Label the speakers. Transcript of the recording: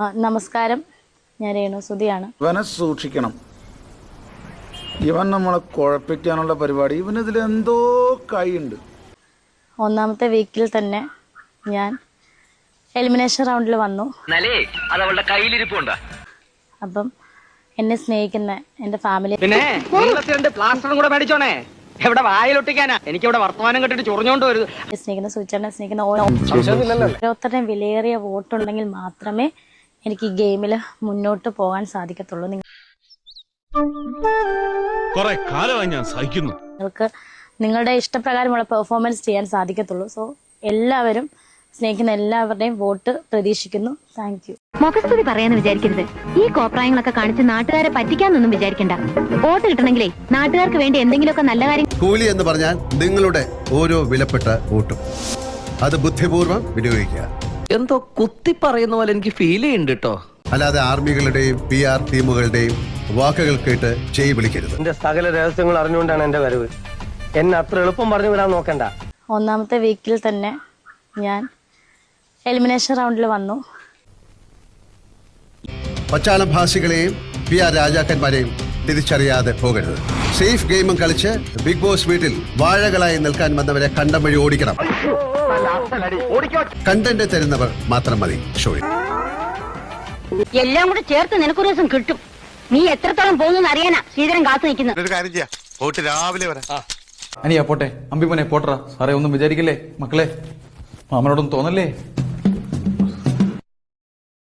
Speaker 1: നമസ്കാരം, ഞാൻ രേണുസുതിയാണ്.
Speaker 2: ഇവനെ സൂക്ഷിക്കണം. ഇവൻ നമ്മളെ കുഴപ്പിക്കാനുള്ള പരിപാടി, ഇവനിതിൽ എന്തോ കൈയുണ്ട്.
Speaker 1: ഒന്നാമത്തെ വീക്കിൽ തന്നെ ഞാൻ എലിമിനേഷൻ റൗണ്ടിൽ വന്നു. അപ്പം എന്നെ സ്നേഹിക്കുന്ന എൻ്റെ ഫാമിലി സ്നേഹിക്കുന്ന സുചേട്ടനെ സ്നേഹിക്കുന്ന ഓരോരുത്തരുടെയും വിലയേറിയ വോട്ടുണ്ടെങ്കിൽ മാത്രമേ എനിക്ക് ഈ ഗെയിമിൽ മുന്നോട്ട് പോകാൻ സാധിക്കത്തുള്ളൂ. നിങ്ങൾക്ക് നിങ്ങളുടെ ഇഷ്ടപ്രകാരമുള്ള പെർഫോമൻസ് ചെയ്യാൻ സാധിക്കത്തുള്ളൂ. സോ എല്ലാവരും സ്നേഹിക്കുന്ന എല്ലാവരുടെയും വോട്ട് പ്രതീക്ഷിക്കുന്നു. Thank you.
Speaker 3: മുഖസ്തുതി പറയാന്ന് വിചാരിക്കരുത്. ഈ കോപ്രായങ്ങളൊക്കെ കാണിച്ച് നാട്ടുകാരെ പറ്റിക്കാന്നൊന്നും വിചാരിക്കണ്ട. വോട്ട് കിട്ടണമെങ്കിലേ നാട്ടുകാർക്ക് വേണ്ടി എന്തെങ്കിലുമൊക്കെ നല്ല കാര്യം.
Speaker 4: കൂലി എന്ന് പറഞ്ഞാൽ നിങ്ങളുടെ ഓരോ വിലപ്പെട്ട വോട്ടും അത് ബുദ്ധിപൂർവ്വം വിനിയോഗിക്കുക.
Speaker 5: എന്തോ കുത്തി പറയുന്ന പോലെ എനിക്ക് ഫീൽ ചെയ്യുന്നുണ്ട് കേട്ടോ.
Speaker 4: അല്ലാതെ ആർമികളുടെയും PR ടീമുകളുടെയും വാക്കുകൾ കേട്ട് ചെയ് വിളിക്കരുത്.
Speaker 6: എന്റെ സകല രഹസ്യങ്ങൾ അറിഞ്ഞുകൊണ്ടാണ് എന്റെ വരവ്. എന്നെ അത്ര എളുപ്പം പറഞ്ഞു വിടാൻ നോക്കണ്ട.
Speaker 1: ഒന്നാമത്തെ വീക്കിൽ തന്നെ ഞാൻ എലിമിനേഷൻ റൗണ്ടിൽ വന്നു.
Speaker 4: പച്ചാളം ഭാഷികളെയും PR രാജാക്കന്മാരെയും തിരിച്ചറിയാതെ പോകരുത്. സേഫ് ഗെയിമും കളിച്ച് ബിഗ് ബോസ് വീട്ടിൽ വാഴകളായി നിൽക്കാൻ വന്നവരെ കണ്ടം വഴി ഓടിക്കണം. കണ്ടന്റ് തരുന്നവർ മാത്രം മതി ഷോയിൽ.
Speaker 3: എല്ലാം കൂടെ ചേർത്ത് നിനക്കൊരു ദിവസം കിട്ടും. നീ എത്രത്തോളം പോകുന്നു അറിയാനാ ശ്രീധരൻ കാത്തു നിൽക്കുന്നത്.
Speaker 4: രാവിലെ വരാം.
Speaker 7: അനിയാ പോട്ടെ, അമ്പിമോനെ പോട്ടറ. സാറേ ഒന്നും വിചാരിക്കല്ലേ മക്കളെ, മാമനോടൊന്നും തോന്നല്ലേ.